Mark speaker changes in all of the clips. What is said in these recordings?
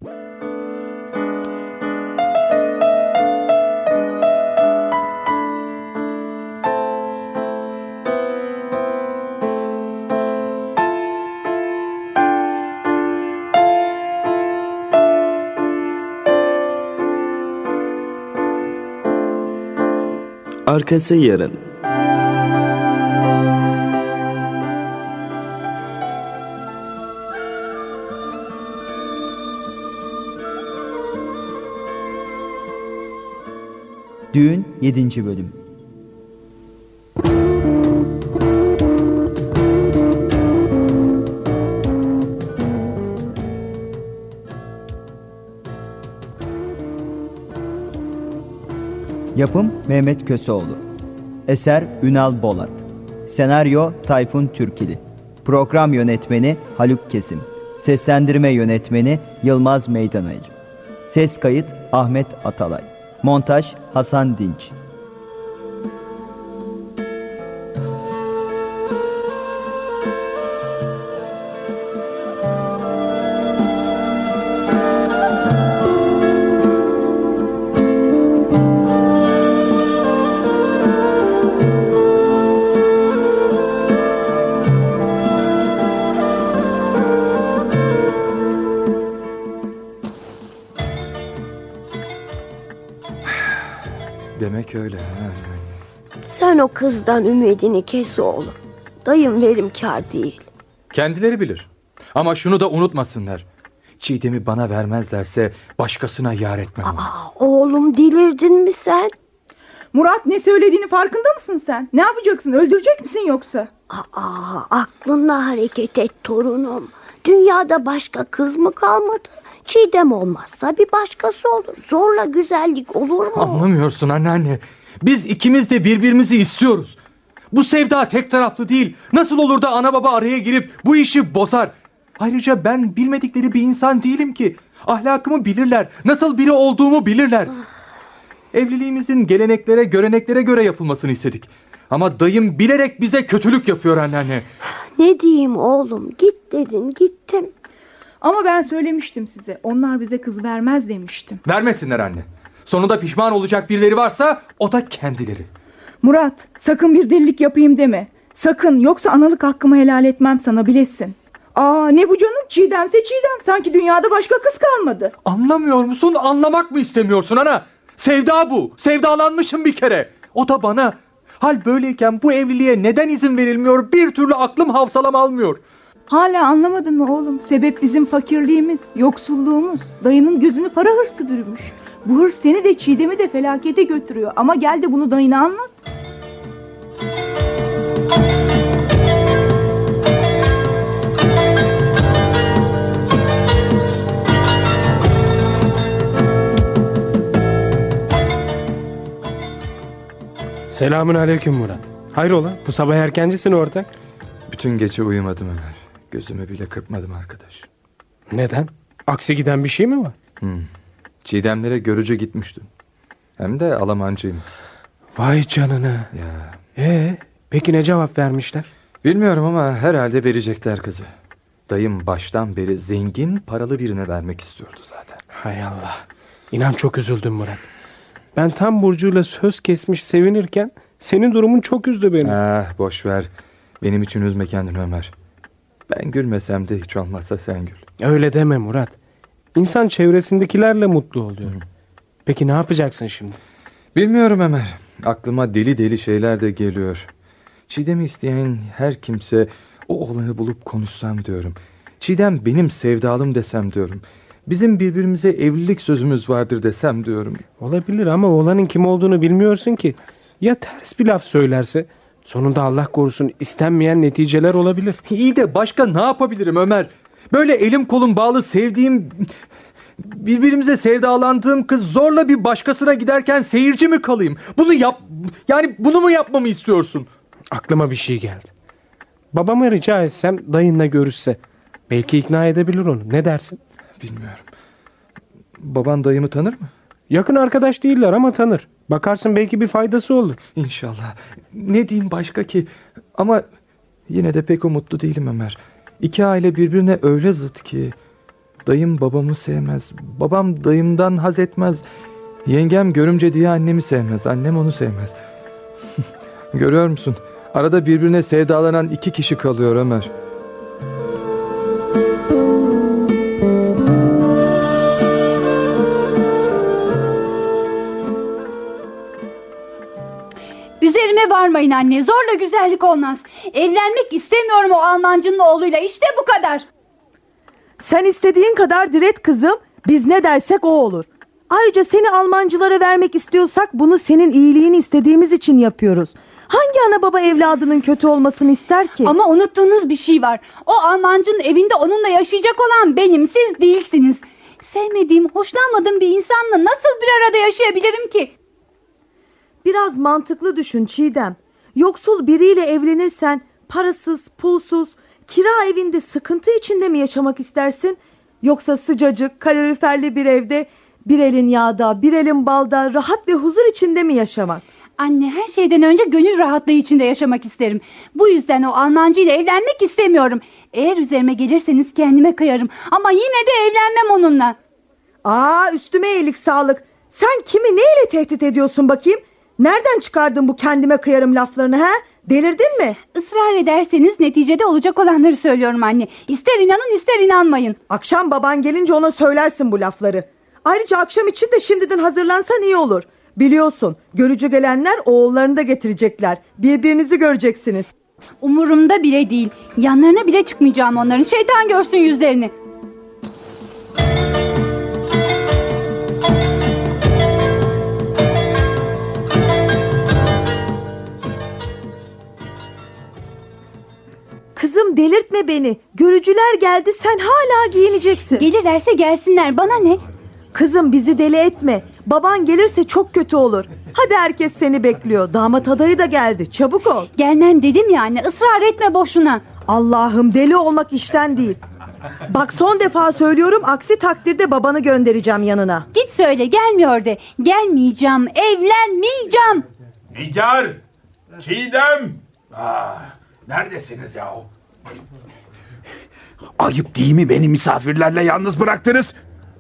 Speaker 1: Arkası yarın.
Speaker 2: Düğün 7. Bölüm. Yapım Mehmet Köseoğlu. Eser Ünal Bolat. Senaryo Tayfun Türkili. Program yönetmeni Haluk Kesim. Seslendirme yönetmeni Yılmaz Meydanayır. Ses kayıt Ahmet Atalay. Montaj Hasan Dinç.
Speaker 3: Demek öyle.
Speaker 4: Sen o kızdan ümidini kes oğlum. Dayım verimkar değil.
Speaker 3: Kendileri bilir. Ama şunu da unutmasınlar. Çiğdem'i bana vermezlerse başkasına yar etmem onu.
Speaker 4: Oğlum delirdin mi sen?
Speaker 5: Murat, ne söylediğini farkında mısın sen? Ne yapacaksın? Öldürecek misin yoksa?
Speaker 4: Aklınla hareket et torunum. Dünyada başka kız mı kalmadı? Çiğdem olmazsa bir başkası olur. Zorla güzellik olur mu?
Speaker 3: Anlamıyorsun anneanne. Biz ikimiz de birbirimizi istiyoruz. Bu sevda tek taraflı değil. Nasıl olur da ana baba araya girip bu işi bozar? Ayrıca ben bilmedikleri bir insan değilim ki. Ahlakımı bilirler. Nasıl biri olduğumu bilirler. Evliliğimizin geleneklere, göreneklere göre yapılmasını istedik. Ama dayım bilerek bize kötülük yapıyor anneanne.
Speaker 4: Ne diyeyim oğlum? Git dedin, gittim.
Speaker 5: Ama ben söylemiştim size. Onlar bize kız vermez demiştim.
Speaker 3: Vermesinler anne. Sonunda pişman olacak birileri varsa o da kendileri.
Speaker 5: Murat, sakın bir delilik yapayım deme. Sakın, yoksa analık hakkımı helal etmem sana, bilesin. Ne bu canım? Çiğdemse Çiğdem. Sanki dünyada başka kız kalmadı.
Speaker 3: Anlamıyor musun? Anlamak mı istemiyorsun ana? Sevda bu. Sevdalanmışım bir kere. O da bana. Hal böyleyken bu evliliğe neden izin verilmiyor? Bir türlü aklım hafsalam almıyor.
Speaker 5: Hala anlamadın mı oğlum? Sebep bizim fakirliğimiz, yoksulluğumuz. Dayının gözünü para hırsı bürümüş. Bu hırs seni de Çiğdem'i de felakete götürüyor. Ama gel de bunu dayına anlat.
Speaker 6: Selamün aleyküm Murat. Hayrola, bu sabah erkencisin ortak.
Speaker 3: Bütün gece uyumadım Ömer. Gözümü bile kırpmadım arkadaş.
Speaker 6: Neden? Aksi giden bir şey mi var?
Speaker 3: Çiğdemlere görücü gitmiştim. Hem de Almancıyım.
Speaker 6: Vay canına.
Speaker 3: Ya.
Speaker 6: Peki ne cevap vermişler?
Speaker 3: Bilmiyorum ama herhalde verecekler kızı. Dayım baştan beri zengin, paralı birine vermek istiyordu zaten.
Speaker 6: Hay Allah. İnan çok üzüldüm Murat. Ben tam Burcu'yla söz kesmiş sevinirken senin durumun çok üzdü beni.
Speaker 3: Boş ver. Benim için üzme kendini Ömer. Ben gülmesem de hiç olmazsa sen gül.
Speaker 6: Öyle deme Murat. İnsan çevresindekilerle mutlu oluyor. Peki ne yapacaksın şimdi?
Speaker 3: Bilmiyorum Ömer. Aklıma deli deli şeyler de geliyor. Çiğdem'i isteyen her kimse o olanı bulup konuşsam diyorum. Çiğdem benim sevdalım desem diyorum. Bizim birbirimize evlilik sözümüz vardır desem diyorum.
Speaker 6: Olabilir ama oğlanın kim olduğunu bilmiyorsun ki. Ya ters bir laf söylerse? Sonunda Allah korusun istenmeyen neticeler olabilir.
Speaker 3: İyi de başka ne yapabilirim Ömer? Böyle elim kolum bağlı sevdiğim, birbirimize sevdalandığım kız zorla bir başkasına giderken seyirci mi kalayım? Bunu mu yapmamı istiyorsun?
Speaker 6: Aklıma bir şey geldi. Babama rica etsem dayınla görüşse. Belki ikna edebilir onu. Ne dersin?
Speaker 3: Bilmiyorum. Baban dayımı tanır mı?
Speaker 6: Yakın arkadaş değiller ama tanır. Bakarsın belki bir faydası olur.
Speaker 3: İnşallah. Ne diyeyim başka ki? Ama yine de pek umutlu değilim Ömer. İki aile birbirine öyle zıt ki. Dayım babamı sevmez. Babam dayımdan haz etmez. Yengem görümce diye annemi sevmez. Annem onu sevmez. Görüyor musun? Arada birbirine sevdalanan iki kişi kalıyor Ömer.
Speaker 1: Üzerime varmayın anne. Zorla güzellik olmaz. Evlenmek istemiyorum o Almancının oğluyla. İşte bu kadar.
Speaker 7: Sen istediğin kadar diret kızım. Biz ne dersek o olur. Ayrıca seni Almancılara vermek istiyorsak bunu senin iyiliğini istediğimiz için yapıyoruz. Hangi ana baba evladının kötü olmasını ister ki?
Speaker 1: Ama unuttuğunuz bir şey var. O Almancının evinde onunla yaşayacak olan benim. Siz değilsiniz. Sevmediğim, hoşlanmadığım bir insanla nasıl bir arada yaşayabilirim ki?
Speaker 7: Biraz mantıklı düşün Çiğdem. Yoksul biriyle evlenirsen parasız, pulsuz, kira evinde sıkıntı içinde mi yaşamak istersin? Yoksa sıcacık, kaloriferli bir evde bir elin yağda, bir elin balda rahat ve huzur içinde mi yaşamak?
Speaker 1: Anne, her şeyden önce gönül rahatlığı içinde yaşamak isterim. Bu yüzden o Almancı ile evlenmek istemiyorum. Eğer üzerime gelirseniz kendime kıyarım. Ama yine de evlenmem onunla.
Speaker 7: Üstüme iyilik sağlık. Sen kimi neyle tehdit ediyorsun bakayım? Nereden çıkardın bu kendime kıyarım laflarını ha? Delirdin mi?
Speaker 1: Israr ederseniz neticede olacak olanları söylüyorum anne. İster inanın ister inanmayın.
Speaker 7: Akşam baban gelince ona söylersin bu lafları. Ayrıca akşam için de şimdiden hazırlansan iyi olur. Biliyorsun görücü gelenler oğullarını da getirecekler. Birbirinizi göreceksiniz.
Speaker 1: Umurumda bile değil. Yanlarına bile çıkmayacağım onların. Şeytan görsün yüzlerini.
Speaker 7: Kızım delirtme beni. Görücüler geldi sen hala giyineceksin.
Speaker 1: Gelirlerse gelsinler, bana ne?
Speaker 7: Kızım bizi deli etme. Baban gelirse çok kötü olur. Hadi herkes seni bekliyor. Damat adayı da geldi. Çabuk ol.
Speaker 1: Gelmem dedim ya anne, ısrar etme boşuna.
Speaker 7: Allah'ım deli olmak işten değil. Bak son defa söylüyorum, aksi takdirde babanı göndereceğim yanına.
Speaker 1: Git söyle, gelmiyor de. Gelmeyeceğim, evlenmeyeceğim.
Speaker 8: Nigar! Çiğdem! Neredesiniz yahu? Ayıp değil mi beni misafirlerle yalnız bıraktınız?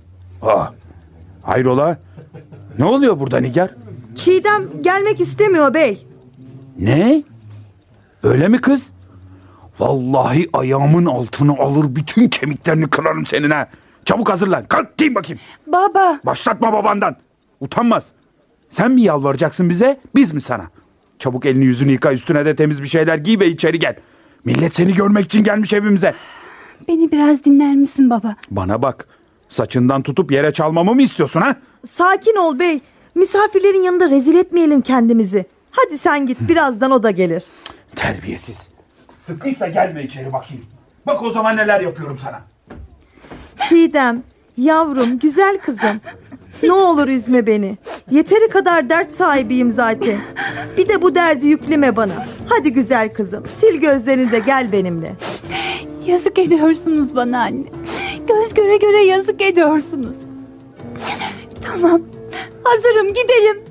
Speaker 8: Hayrola? Ne oluyor burada Nigar?
Speaker 7: Çiğdem gelmek istemiyor bey.
Speaker 8: Ne? Öyle mi kız? Vallahi ayağımın altını alır bütün kemiklerini kırarım senin ha. Çabuk hazırlan. Kalk giyin bakayım.
Speaker 1: Baba.
Speaker 8: Başlatma babandan. Utanmaz. Sen mi yalvaracaksın bize, biz mi sana? Çabuk elini yüzünü yıka, üstüne de temiz bir şeyler giy ve içeri gel. Millet seni görmek için gelmiş evimize.
Speaker 1: Beni biraz dinler misin baba?
Speaker 8: Bana bak. Saçından tutup yere çalmamı mı istiyorsun ha?
Speaker 7: Sakin ol bey. Misafirlerin yanında rezil etmeyelim kendimizi. Hadi sen git, birazdan o da gelir.
Speaker 8: Terbiyesiz. Sıkıysa gelme içeri bakayım. Bak o zaman neler yapıyorum sana.
Speaker 7: Çiğdem, yavrum, güzel kızım. Ne olur üzme beni. Yeteri kadar dert sahibiyim zaten. Bir de bu derdi yükleme bana. Hadi güzel kızım, sil gözlerini de gel benimle.
Speaker 1: Yazık ediyorsunuz bana anne. Göz göre göre yazık ediyorsunuz. Tamam, hazırım, gidelim.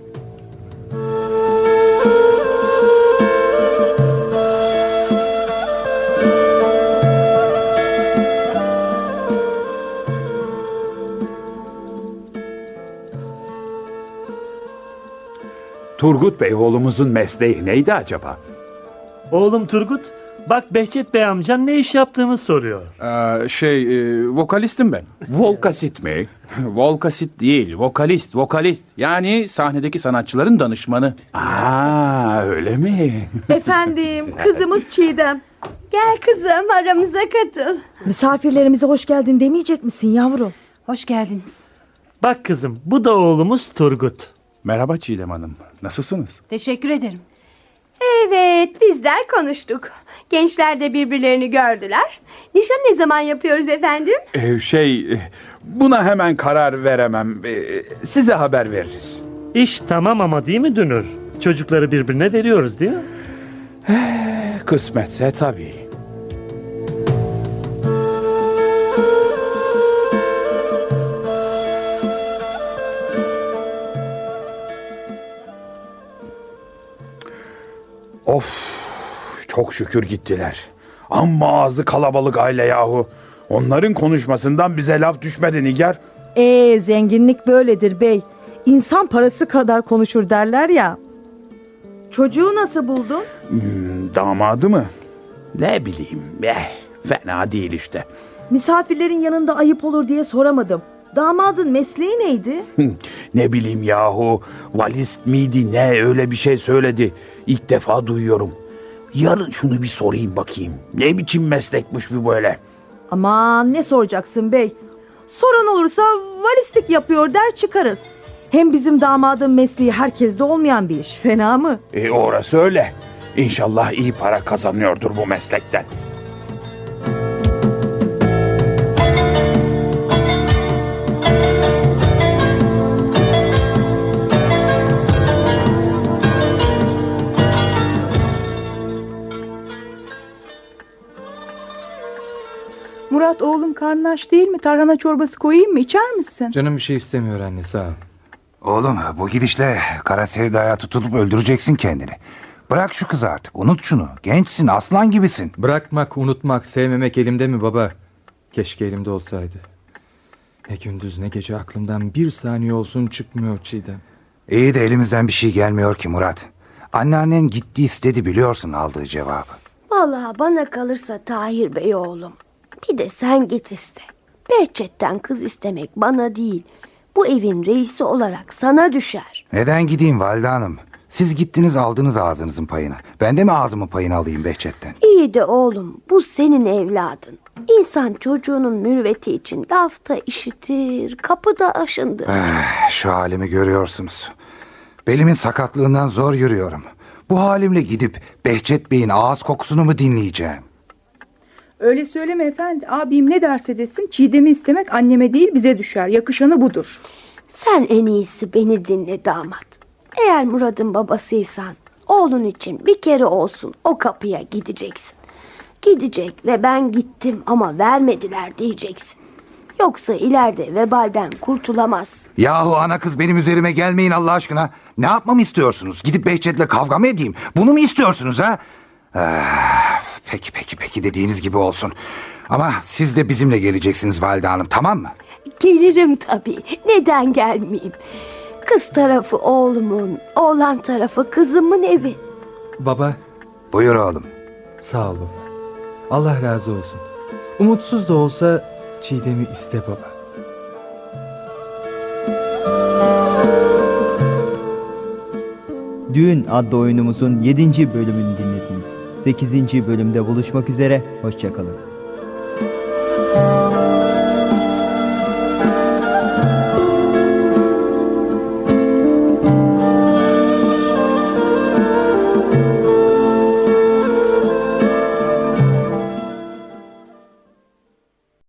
Speaker 8: Turgut Bey oğlumuzun mesleği neydi acaba?
Speaker 9: Oğlum Turgut, bak Behçet Bey amcan ne iş yaptığımı soruyor.
Speaker 8: Vokalistim ben. Volkasit mi? Volkasit değil, vokalist. Yani sahnedeki sanatçıların danışmanı. Öyle mi?
Speaker 7: Efendim, kızımız Çiğdem.
Speaker 1: Gel kızım, aramıza katıl.
Speaker 7: Misafirlerimize hoş geldin demeyecek misin yavrum?
Speaker 1: Hoş geldiniz.
Speaker 9: Bak kızım, bu da oğlumuz Turgut.
Speaker 8: Merhaba Çiğdem Hanım. Nasılsınız?
Speaker 1: Teşekkür ederim.
Speaker 4: Evet, bizler konuştuk. Gençler de birbirlerini gördüler. Nişan ne zaman yapıyoruz efendim?
Speaker 8: Buna hemen karar veremem. Size haber veririz.
Speaker 9: İş tamam ama değil mi Dünür? Çocukları birbirine veriyoruz değil mi?
Speaker 8: Kısmetse tabii. Of, çok şükür gittiler. Amma ağzı kalabalık aile yahu. Onların konuşmasından bize laf düşmedi Nigar.
Speaker 7: Zenginlik böyledir bey. İnsan parası kadar konuşur derler ya. Çocuğu nasıl buldun?
Speaker 8: Damadı mı? Ne bileyim. Fena değil işte.
Speaker 7: Misafirlerin yanında ayıp olur diye soramadım. Damadın mesleği neydi?
Speaker 8: Ne bileyim yahu. Valist miydi ne öyle bir şey söyledi. İlk defa duyuyorum. Yarın şunu bir sorayım bakayım. Ne biçim meslekmiş bu böyle?
Speaker 7: Aman ne soracaksın bey? Soran olursa valistik yapıyor der çıkarız. Hem bizim damadın mesleği herkeste olmayan bir iş. Fena mı?
Speaker 8: Orası öyle. İnşallah iyi para kazanıyordur bu meslekten.
Speaker 5: Murat oğlum karnın aç değil mi? Tarhana çorbası koyayım mı? İçer misin?
Speaker 3: Canım bir şey istemiyor anne, sağ ol.
Speaker 10: Oğlum bu gidişle kara sevdaya tutulup öldüreceksin kendini. Bırak şu kızı artık, unut şunu. Gençsin, aslan gibisin.
Speaker 3: Bırakmak, unutmak, sevmemek elimde mi baba? Keşke elimde olsaydı. Ne gündüz ne gece aklımdan bir saniye olsun çıkmıyor Çiğdem.
Speaker 10: İyi de elimizden bir şey gelmiyor ki Murat. Anneannen gitti istedi, biliyorsun aldığı cevabı.
Speaker 4: Vallahi bana kalırsa Tahir Bey oğlum. Bir de sen git iste. Behçet'ten kız istemek bana değil. Bu evin reisi olarak sana düşer.
Speaker 10: Neden gideyim valide hanım? Siz gittiniz aldınız ağzınızın payını. Ben de mi ağzımın payını alayım Behçet'ten?
Speaker 4: İyi de oğlum bu senin evladın. İnsan çocuğunun mürüvveti için lafta işitir, kapıda aşındır.
Speaker 10: Şu halimi görüyorsunuz. Belimin sakatlığından zor yürüyorum. Bu halimle gidip Behçet Bey'in ağız kokusunu mu dinleyeceğim?
Speaker 5: Öyle söyleme efendi. Abim ne derse desin Çiğdem'i istemek anneme değil bize düşer. Yakışanı budur.
Speaker 4: Sen en iyisi beni dinle damat. Eğer Murat'ın babasıysan oğlun için bir kere olsun o kapıya gideceksin. Gidecek ve ben gittim ama vermediler diyeceksin. Yoksa ileride vebalden kurtulamazsın.
Speaker 10: Yahu ana kız benim üzerime gelmeyin Allah aşkına. Ne yapmamı istiyorsunuz? Gidip Behçet'le kavga mı edeyim? Bunu mu istiyorsunuz ha? Peki dediğiniz gibi olsun. Ama siz de bizimle geleceksiniz valide hanım, tamam mı?
Speaker 4: Gelirim tabii. Neden gelmeyeyim? Kız tarafı oğlumun, oğlan tarafı kızımın evi.
Speaker 3: Baba,
Speaker 10: Buyur oğlum.
Speaker 3: sağ ol baba. Allah razı olsun. Umutsuz da olsa Çiğdem'i iste baba.
Speaker 2: Düğün adlı oyunumuzun 7. bölümünü dinlediniz. 8. bölümde buluşmak üzere, hoşça kalın.